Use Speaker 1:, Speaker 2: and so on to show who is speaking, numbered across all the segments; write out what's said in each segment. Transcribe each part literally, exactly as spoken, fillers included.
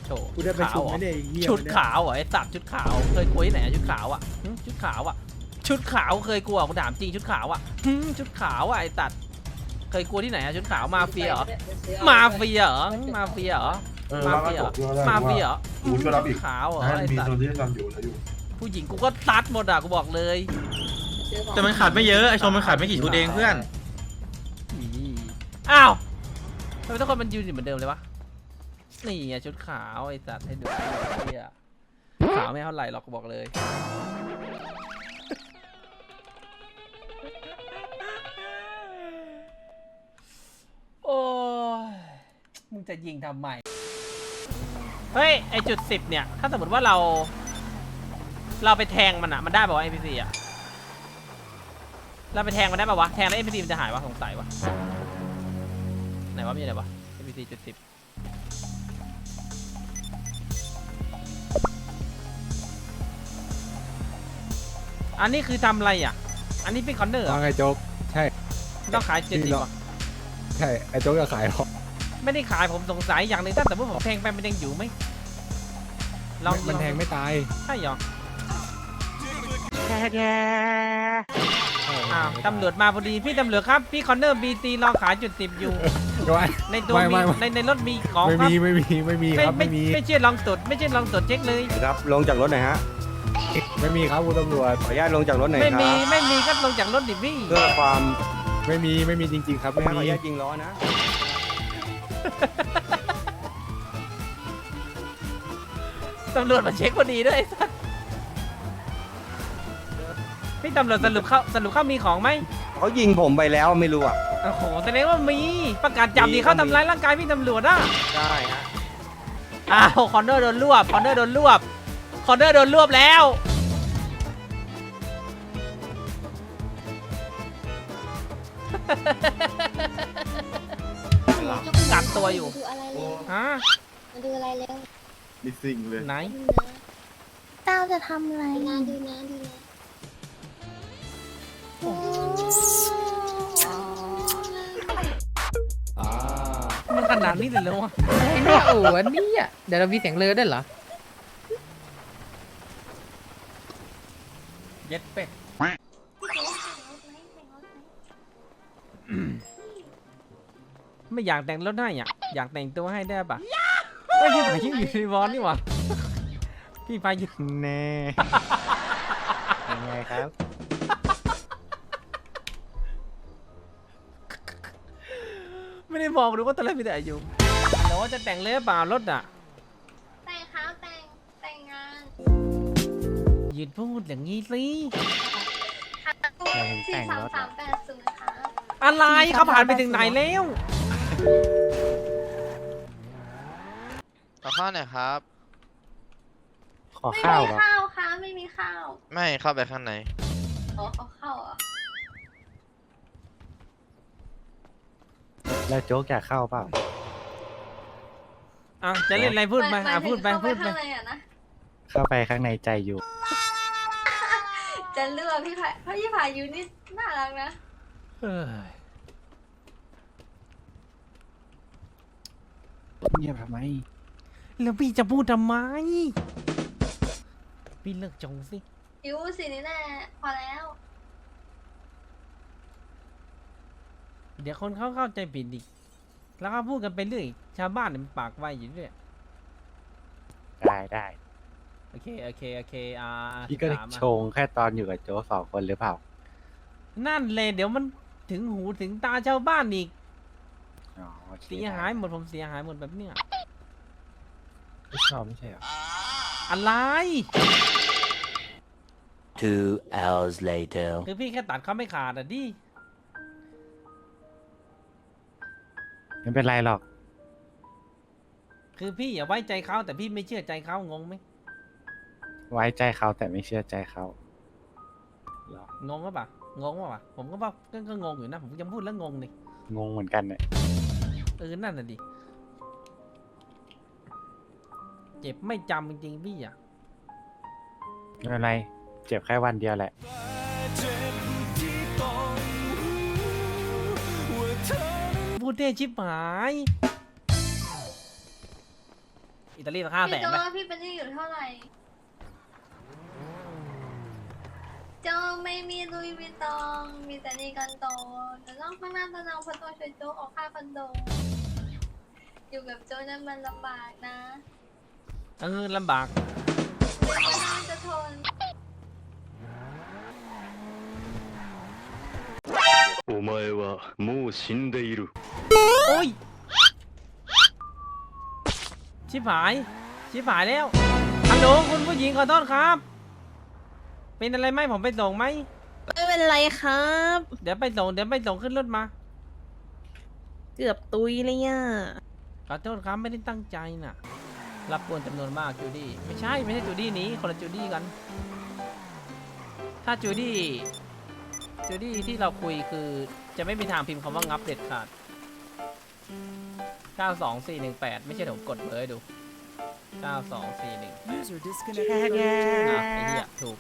Speaker 1: ถ
Speaker 2: กูได้ไปชุดไม่ได้เหี้ย
Speaker 1: ชุดขาวเหรอไอ้สัตว์ชุดขาวเคยกลัวที่ไหนชุดขาวอ่ะชุดขาวอ่ะชุดขาวเคยกลัวกูถามจริงชุดขาวอ่ะชุดขาวอ่ะไอ้สัตว์เคยกลัวที่ไหนอะชุดขาวมาเฟียเหรอมาเฟียเหรอมาเฟียเหรอมาเฟียเหรอมาเฟียเหรอ
Speaker 3: กูช่วยรับอีก
Speaker 1: ขาวเหรอ
Speaker 3: ให้
Speaker 1: ไอ้
Speaker 3: มี
Speaker 1: สัต
Speaker 3: โซ
Speaker 1: ว์
Speaker 3: นที่ทำอยู่แล้วอยู่
Speaker 1: ผู้หญิงกูก็ซัดหมดอ่ะกูบอกเลย
Speaker 4: แต่มันขาดไม่เยอะไอชมมันขาดไม่กี่ชุดเองเพื่อน
Speaker 1: อ้าวทำไมทุกคนมันยืนอยู่เหมือนเดิมเลยวะนี่ไงชุดขาวไอ้สัตว์ให้ดูเฮียขาวไม่เท่าไหร่หรอกกูบอกเลยโอ้ยมึงจะยิงทำไมเฮ้ยไอจุดสิบเนี่ยถ้าสมมติว่าเรา เราไปแทงมันอะมันได้ป่าวะ เอ็น พี ซี อะเราไปแทงมันได้ป่าวะแทงแล้ว เอ็น พี ซี มันจะหายวะสงสัยวะไหนวะมีอะไรวะ เอ็น พี ซี จุดสิบอันนี้คือทำอะไรอ่ะอันนี้เป็นคอนเนอร์เหรอ
Speaker 5: ว่าไงโจ๊กใช่
Speaker 1: ต้องขายเจ็ดสิบวะ
Speaker 5: ใช่ไอ้โจ๊กจะขายหรอ
Speaker 1: ไม่ได้ขายผมสงสัยอย่างหนึงถ้าสมมติผมแทงไปมันยังอยู่ไหมลอง
Speaker 5: มันแทงไม่ตาย
Speaker 1: ใช่หรออ้าวตำรวจมาพอดีพี่ตำรวจครับพี่คอนเนอร์บีตีรอขายจุดสิบอยู่
Speaker 5: ไม่
Speaker 1: ในตัว
Speaker 5: ไม่
Speaker 1: มี
Speaker 5: ไม่
Speaker 1: ในในรถมีของ
Speaker 5: ไม่
Speaker 1: ครับ
Speaker 5: มีไม่มีไม่มีครับ
Speaker 1: ไม่
Speaker 5: ไม่มี
Speaker 1: ไม่เชื่อลองตรวจไม่เชื่อลองตรวจเช็คเลย
Speaker 6: ครับลงจากรถหน่อยฮะ
Speaker 5: ไม่มีครับคุณตำรวจ
Speaker 6: ขออนุญาตลงจากรถหน่อยค
Speaker 1: ไม่
Speaker 6: รับ
Speaker 1: มีไม่มีก็ลงจากรถดิพี่
Speaker 6: เพื่อความ
Speaker 5: ไม่มีไม่มีจริงๆครับ
Speaker 6: ขอ
Speaker 5: ไม่
Speaker 6: อ
Speaker 5: มี
Speaker 6: นุญาตยิงล้อนะ
Speaker 1: ตำรวจมาเช็คพอดีด้วยไอ้สัสพี่ตำรวจสรุปเข้าสรุปเข้ามีของไหม
Speaker 6: เขายิงผมไปแล้วไม่รู้อ่ะ
Speaker 1: โอ้โหแสดงว่ามีประกาศจับดีเขาทำร้ายร่างกายพี่ตำรวจอ่ะ
Speaker 6: ใช่ฮะ
Speaker 1: อ้าวคอนเนอร์โดนรวบคอนเนอร์โดนรวบคอนเนอร์โดนรวบแล้วกัดตัวอยู่
Speaker 7: มาดูอะไรเร็ว
Speaker 1: ฮะ
Speaker 7: มาดูอะไรเร็ว
Speaker 3: มีสิ่งเลย
Speaker 1: ไหน
Speaker 7: ดูนะ
Speaker 8: เต้าจะทำอะไร
Speaker 7: ดูนะดูนะดูนะ
Speaker 1: มันขนาดนี้เลยเหรอวะ
Speaker 9: ไอ้เนี่ยโอ้โหอันนี้อ่ะเดี๋ยวเรามีเสียงเรือด้วยเหรอ
Speaker 1: เย็ดเป็ดไม่อยากแต่งรถให้อ่ะอยากแต่งตัวให้ได้ปะไม่พี่พายุอยู่ในวอนนี่หว่าพี่พายุ
Speaker 5: แน่ยังไงครับ
Speaker 1: ไม่ได้มองดูว่าตอนแรกมีแต่อายุแต่ว่าจะแต่งเลยเปล่ารถอ่ะ
Speaker 7: แต่งครับแต่งแต่งงาน
Speaker 1: ยืนพูดอย่างนี้สิ
Speaker 7: สี่สามสามแปดศูนย์ครับ
Speaker 1: อะไรเขาผ่านไปถึงไหนแล้ว
Speaker 4: ขอข้าวหน่อยครับ
Speaker 5: ขอ
Speaker 7: ไม่
Speaker 5: ข้าว
Speaker 7: มี
Speaker 5: เหรอ
Speaker 7: ข้าวค่ะไม่มีข้าว
Speaker 4: ไม่เข้าไปข้างใน
Speaker 7: อ๋อเอาข้าวเหรอ่ะ
Speaker 5: แล้วโจ๊กอยากเข้าเปล่า
Speaker 1: อ่ะจะเล่นอะไรพูดไปอ่ะพูดไปพูดไป
Speaker 7: ข้างในอ่ะนะ
Speaker 5: เข้าไปข้างในใจอยู่
Speaker 7: จะเลือกพี่พายพี่พายุนี่น่ารักนะ
Speaker 1: เฮ้ย
Speaker 5: เงียบทำไม
Speaker 1: แล้วพี่จะพูดทำไมพี่เลิกจงสิ
Speaker 7: ยูสินี่แหละพอแล้ว
Speaker 1: เดี๋ยวคนเขาเข้าใจผิดอีกแล้วก็พูดกันไปเรื่อยชาวบ้านเนี่ยมันปากไวอยู่เรื่อย
Speaker 5: ได้ได้
Speaker 1: โอเคโอเคโอเคอ่า
Speaker 5: พี่ก็
Speaker 1: สิบสามอ่ะ
Speaker 5: ชงแค่ตอนอยู่กับโจ๊กสองคนหรือเปล่า
Speaker 1: นั่นเลยเดี๋ยวมันถึงหูถึงตาชาวบ้านอีก
Speaker 5: อ๋อโอเค
Speaker 1: เสียหายหมดผมเสียหายหมดแบบเนี้ย
Speaker 5: ไม่ชอบไม่ใช่เหรอ
Speaker 1: อะไร
Speaker 10: Two hours later.
Speaker 1: คือพี่แค่ตัดเขาไม่ขาดอ่ะดิ
Speaker 5: ไม่เป็นไรหรอก
Speaker 1: คือพี่อย่าไว้ใจเขาแต่พี่ไม่เชื่อใจเขางงไหม
Speaker 5: ไว้ใจเขาแต่ไม่เชื่อใจเขาหรอก
Speaker 1: งงก็ปะงงปะผมก็ว่าก็ก็งงอยู่นะผมยังพูดแล้วงงเลย
Speaker 5: งงเหมือนกันเนี่ย
Speaker 1: เออนั่นน่ะดิเจ็บไม่จำจริงๆพี่อ่ะ
Speaker 5: ไม่เป็นไร เจ็บแค่วันเดียวแหละ
Speaker 1: พูดเท่ชิบหายอิตาลีสักห้าแส
Speaker 7: พี่
Speaker 1: น
Speaker 7: โจ
Speaker 1: ไหม
Speaker 7: พี่เป็นหนี้อยู่เท่าไหร่โจไม่มีลุยวิตตอง มีแต่หนี่กันโตจะต้องข้างหน้าตะนองเพราะตัวช่วยโจออกค่าคอนโด อยู่กับโจนั้นมันลำบากนะ
Speaker 1: เออลำบาก
Speaker 7: เดี๋ยวก็น่าจะทน
Speaker 10: お前はもう死んでいる。
Speaker 1: โอ้ย ชิบหาย ชิบหายแล้ว ฮัลโหลคุณผู้หญิงขอโทษครับ เป็นอะไรไหมผมไปส่งไหม
Speaker 8: ไม่เป็นไรครับ
Speaker 1: เดี๋ยวไปส่ง เดี๋ยวไปส่งขึ้นรถมา
Speaker 8: เกือบตุยเลยอ่ะ
Speaker 1: ขอโทษครับไม่ได้ตั้งใจน่ะ รับกวนจำนวนมากจูดี้ ไม่ใช่ ไม่ใช่จูดี้นี้ คนละจูดี้กัน ถ้าจูดี้ จูดี้ที่เราคุยคือจะไม่มีทางพิมพ์คำว่างับเด็ดขาด เก้าสองสี่หนึ่งแปด ไม่ใช่เดี๋ยวผมกดเบอร์ให้ดู เก้าสองสี่หนึ่งแปด นะไอ้เหี้ยถูก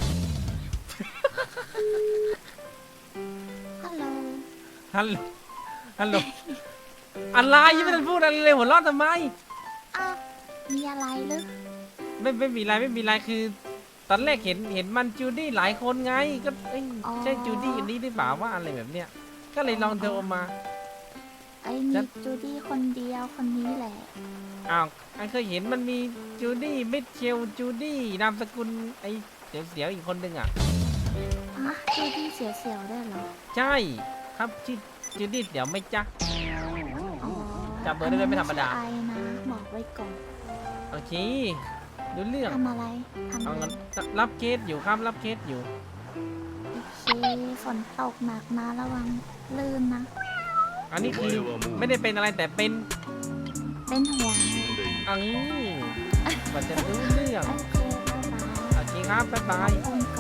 Speaker 8: ฮัลโหล
Speaker 1: ฮัลโหล ฮัลโหล อะไรยังไม่ทันพูดอะไรเลยหัวเราะทำไม
Speaker 8: อ้าวมีอะไรหรือ
Speaker 1: ไม่ไม่มีอะไรไม่มีอะไรคือ ตอนแรกเห็นเห็นมันจูดี้หลายคนไง ก็เอ้ยใช่จูดี้อันนี้หรือเปล่าว่าอะไรแบบเนี้ย ก็เลยลองโทรมา
Speaker 8: ไอ้มีจูดี้คนเดียวคนนี้แหละ
Speaker 1: อ้าวไอเคยเห็นมันมีจูดี้มิเชลจูดี้นามสกุลไอเสียวเสียวๆอีกคนหนึ่งอ่ะ
Speaker 8: ฮะจูดี้เสียวๆได้เหรอ
Speaker 1: ใช่ครับชื่อจูดี้เดี๋ยวไม่จ๊ะ
Speaker 8: อ๋อ
Speaker 1: จำเบอร์ได้ไหมไม่ธรรมดา
Speaker 8: ไอนะ บอกไว้ก่อน
Speaker 1: โอเคดูเรื่อง
Speaker 8: ทำอะไรทำ
Speaker 1: เอา
Speaker 8: อะไร
Speaker 1: งั้นรับเคสอยู่ครับรับเคสอยู่
Speaker 8: โอเคฝนตกหนักนะระวังลื่นนะ
Speaker 1: อันนี้คือไม่ได้เป็นอะไรแต่เป็น
Speaker 8: เป็นห่วง
Speaker 1: อันนี้กว่าจะรู้เรื่อง
Speaker 8: โอเคบ๊ายบาย
Speaker 1: โอเคครับบ๊ายบาย
Speaker 8: คนก่อน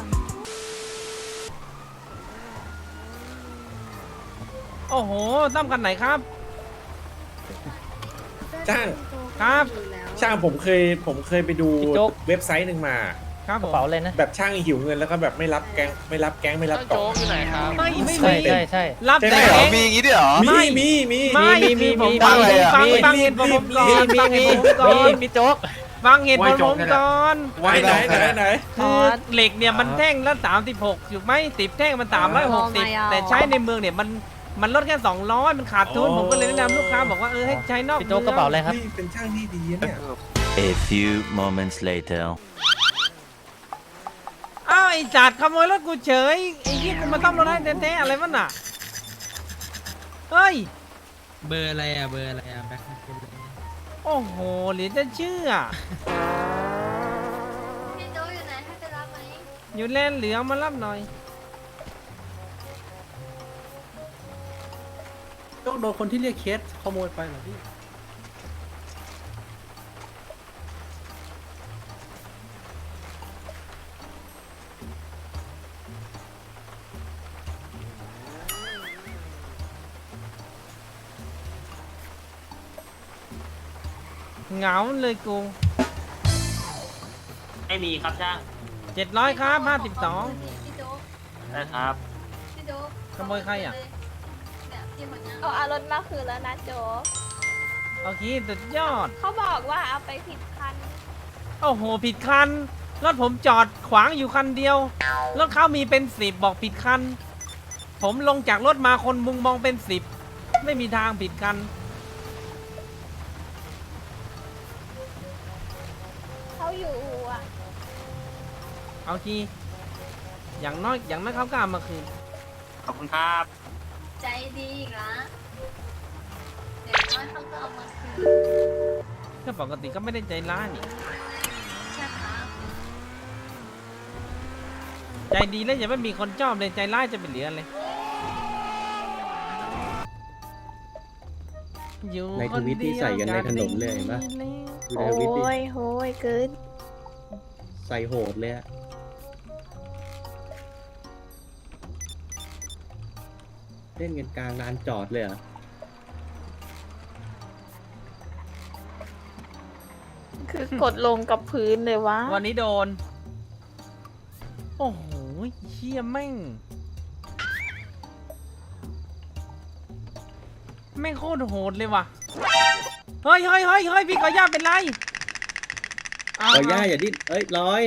Speaker 1: โอ้โหตั้มกันไหนครับ
Speaker 2: ช่าง
Speaker 1: ครับ
Speaker 2: ช่างผมเคยผมเคยไปดูเว็บไซต์หนึ่งมา
Speaker 1: ครับผม
Speaker 2: แบบช่างหิวเงินแล้วก็แบบไม่รับแก๊งไม่รับแก๊งไม่รับกล่อง
Speaker 1: ไม่ไม่
Speaker 2: ใช่
Speaker 1: มี
Speaker 2: ใช่
Speaker 9: ใช่
Speaker 1: รับแต่
Speaker 2: ใช่เหรอ
Speaker 1: มี
Speaker 3: มีอย่างงี้ด้วยเหรอ
Speaker 1: ไม่
Speaker 2: มีมีมี
Speaker 1: ไม่
Speaker 9: มีมีมี
Speaker 1: ฟัง
Speaker 9: มี
Speaker 1: ฟัง
Speaker 9: มี
Speaker 1: ฟังเหตุผลผมก่อนฟังเหตุผลผมก่อน
Speaker 9: มีโจ๊ก
Speaker 1: ฟังเหตุผลผมก่อน
Speaker 2: ไว้ไหนไหนไหน
Speaker 1: คือเหล็กเนี่ยมันแท่งละสามสิบหกถูกไหมติบแท่งมันสามร้อยหกสิบแต่ใช้ในเมืองเนี่ยมันมันลดแค่สองร้อยมันขาดทุนผมก็เลยแนะนำลูกค้าบอกว่าเออให้ใช้นอก
Speaker 9: พี่โจ๊กกระเป๋าอะไรครับ
Speaker 2: นี่เป็นช่างที่ดีนะเนี่ย
Speaker 10: A few moments later.
Speaker 1: อ้าวไอ้จัดขโมยรถกูเฉยไอ้ยี่กูมาต้อมรถให้แท้ๆอะไรวะน่ะเฮ้ย
Speaker 9: เบอร์อะไรอ่ะ เบอร์อะไรอ่ะแบ็ค
Speaker 1: โอ้โหเหลือจะเชื่อ
Speaker 7: พี่โจอยู่ไหนให้ไปรับไหม
Speaker 1: อยู่แลนเหลืองมารับหน่อย
Speaker 9: ต้องโดนคนที่เรียกเคสขโมยไปเหรอพี่
Speaker 1: เหงาเลยกู
Speaker 11: ไม่มีครับช่าง
Speaker 1: เจ็ดร้อยครับห้าสิบสอง
Speaker 7: พี่โจ
Speaker 11: ได้ครับ
Speaker 7: พี่โจ
Speaker 1: ขโมยใครอ่ะ
Speaker 7: เนี่ยพี่คนนี้
Speaker 8: เอาอารถมาคืนแล้วนะโจ
Speaker 1: โอเคสุดยอด
Speaker 8: เขาบอกว่าเอาไปผิดคัน
Speaker 1: โอ้โหผิดคัน รถผมจอดขวางอยู่คันเดียว รถเขามีเป็นสิบบอกผิดคัน ผมลงจากรถมาคนมุงมองเป็นสิบไม่มีทางผิดคัน
Speaker 8: เขาอยู่อ่ะ
Speaker 1: เอาทีอย่างน้อยอย่างน้อยเขาก็เอามาคืน
Speaker 11: ขอบคุณครับ
Speaker 7: ใจดีอีกละเดี๋ยวน้อยเขาก็เอามาคืน
Speaker 1: ก็ปกติก็ไม่ได้ใจร้ายนี่
Speaker 7: ใช่ครับ
Speaker 1: ใจดีแล้วอย่าไม่มีคนชอบเลยใจร้ายจะเป็นเหลืออะไรอยู่
Speaker 5: ในทวิตที่ใส่กันในถนนเลยเห็นปะ ดูในทวิตดิ
Speaker 8: ยโหยเกิน
Speaker 5: ใส่โหดเลยอะเล่นกันกลางลานจอดเลยเหรอ
Speaker 8: คือกดลงกับพื้นเลยวะ
Speaker 1: วันนี้โดน โอ้โหเชี่ยแม่ง แม่งโคตรโหดเลยว่ะ เฮ้ยเฮ้ยเฮ้ยเฮ้ยพี่ขออนุญาตเป็นไรเอา
Speaker 2: ลอยย่าอย่าดิ้นเอ้ยลอย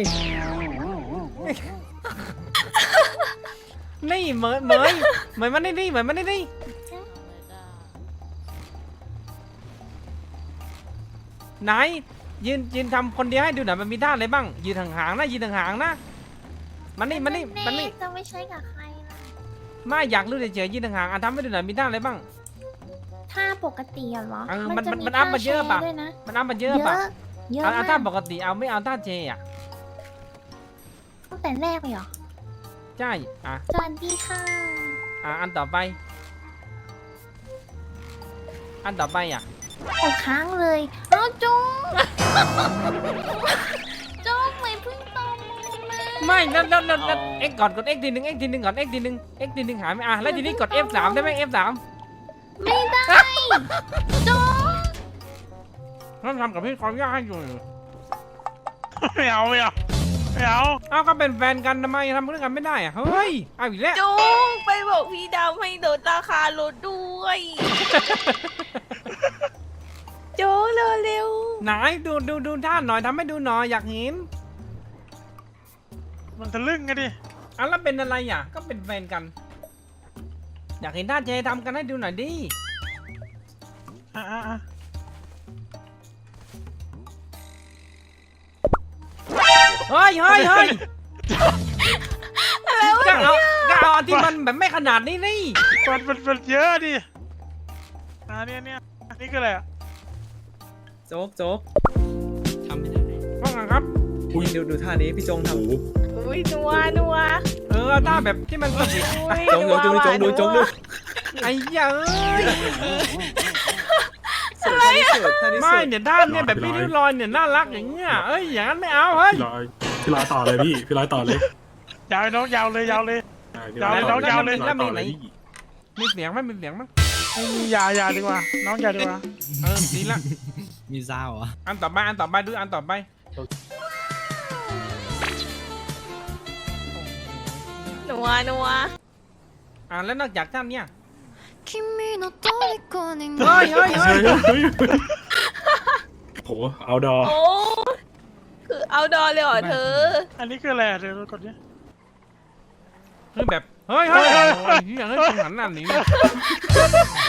Speaker 1: นี่เหมยเหมยเหมยมันนี่นี่เหมยมันนี่นี่ไหนยืนยืนทำคนเดียวให้ดูหน่อยมันมีท่าอะไรบ้างยืนห่างๆนะยืนห่างๆนะมันนี่มันนี่มันนี่
Speaker 8: จะไม่ใช่กับใครล่ะ
Speaker 1: ไม่อยากรู้เฉยๆยืนห่างๆอ่ะทำให้ดูหน่อยมีท่าอะไรบ้าง
Speaker 8: ถ้าปกติอะเหรอ
Speaker 1: เออมัน
Speaker 8: จะ
Speaker 1: มันมันอัพมาเยอะปะ
Speaker 8: ท่แชร์ด้วยนะ
Speaker 1: มันเอามาเย
Speaker 8: เย
Speaker 1: อะ
Speaker 8: อะ
Speaker 1: ปะ
Speaker 8: เยอะ
Speaker 1: เอาเอา
Speaker 8: มา
Speaker 1: ท่าก ปกติเอาไม่เอาท่าเจอ่ะ
Speaker 8: ตั้งแต่แรกเลยเหรอ
Speaker 1: ใช่อ่ะ
Speaker 8: สวัสดีค่ะ
Speaker 1: อ่ะอันต่อไป อันต่อไปอ่ะ
Speaker 8: โอ้ค้างเลยเอาจุ๊บจุ๊บไม่เพิ่งตอบมา
Speaker 1: ไม่นั่นนั่นนั่นนั่นเอ็กก่อนกดเอ็กทีหนึ่งเอ็กทีหนึ่งก่อนเอ็กทีหนึ่งเอ็กทีหนึ่งหายไม่อ่ะแล้วทีนี้กด เอฟ สามได้ไหม เอฟ สาม
Speaker 8: ไม่ได้จุ๊บ
Speaker 1: ต้องทำกับพี่ความยากให้อยู่
Speaker 4: ไม่เอาไม่เอาไม่เอา
Speaker 1: เอาก็เป็นแฟนกันทำไมทำเรื่องกันไม่ได้อ่ะเฮ้ยเอาอีกแล้ว
Speaker 7: จุงไปบอกพี่ดำให้ลดราคารถด้วยจุงเร็ว
Speaker 1: ไหนดูดูดูท่าหน่อยทำให้ดูหน่อยอยากเห็น
Speaker 4: มันทะลึ่งไงดิ
Speaker 1: อ่ะแล้วเป็นอะไรอ่ะก็เป็นแฟนกัน อยากเห็นท่าเจทำกันให้ดูหน่อยดิ
Speaker 4: อ่ะอ่ะอ่ะ
Speaker 1: เฮ้ยเฮ้ยเฮ้ยก็เอาก็เอาอันที่มันแบบไม่ขนาดนี้นี่
Speaker 4: มันมันมันเยอะดิอ่าเนี่ยเนี่ยนี่คืออะไรอ่ะ
Speaker 2: โจ๊กโจ๊ก
Speaker 1: ว่าไงครับ
Speaker 2: อุ้ยดูดูท่านี้พี่จงทำ
Speaker 7: ๆอุ้ยนัวนัว
Speaker 1: เออเอาท่าแบบที่มันสนิท
Speaker 7: อุ้ย
Speaker 2: จงดูจงดูจงดูจงดู
Speaker 1: ไอ้เหี้ยเอ้ย
Speaker 2: สวยท่านี้สวยท่านี้ส
Speaker 1: ไม่
Speaker 2: วย
Speaker 1: เนี่ยท่าเนี่ยแบบพี่ริ้วรอยเนี่ยน่ารักอย่างเงี้ยเอ้ยอย่างนั้นไม่เอาเฮ้ย
Speaker 3: พี่ลอยพี่ลอยต่อเลยพี่พี่ลอยต่อเลย
Speaker 4: ยาวน้องยาวเลยยาวเลย
Speaker 3: พี่
Speaker 4: ยาวเลยน้องยาวเลย
Speaker 3: พี่ลอยต่อเลยพี่
Speaker 1: มีเสียงไหมมีเสียงไหม
Speaker 4: อยาอยาดีกว่า น้องอยาดีกว่า
Speaker 1: เออดีละ
Speaker 9: มีซาวเหรอ
Speaker 1: อันต่อไปอันต่อไปดูอันต่อไป
Speaker 7: นัวนัว
Speaker 1: อ่าแล้วนอกจากท่านเนี่ย
Speaker 8: 君の虜に
Speaker 1: เฮ้ยเฮ้ยเฮ้ย
Speaker 3: โหเอาดอ
Speaker 7: โอ้คือเอาดอเลยเหรอเธอ
Speaker 4: อันนี้คืออะไรอ่ะเดี๋ยวกดดิ
Speaker 1: คือแบบเฮ้ยเฮ้ยเฮ้ยเฮ้ยเฮ้ยตรงหันหน้าหนี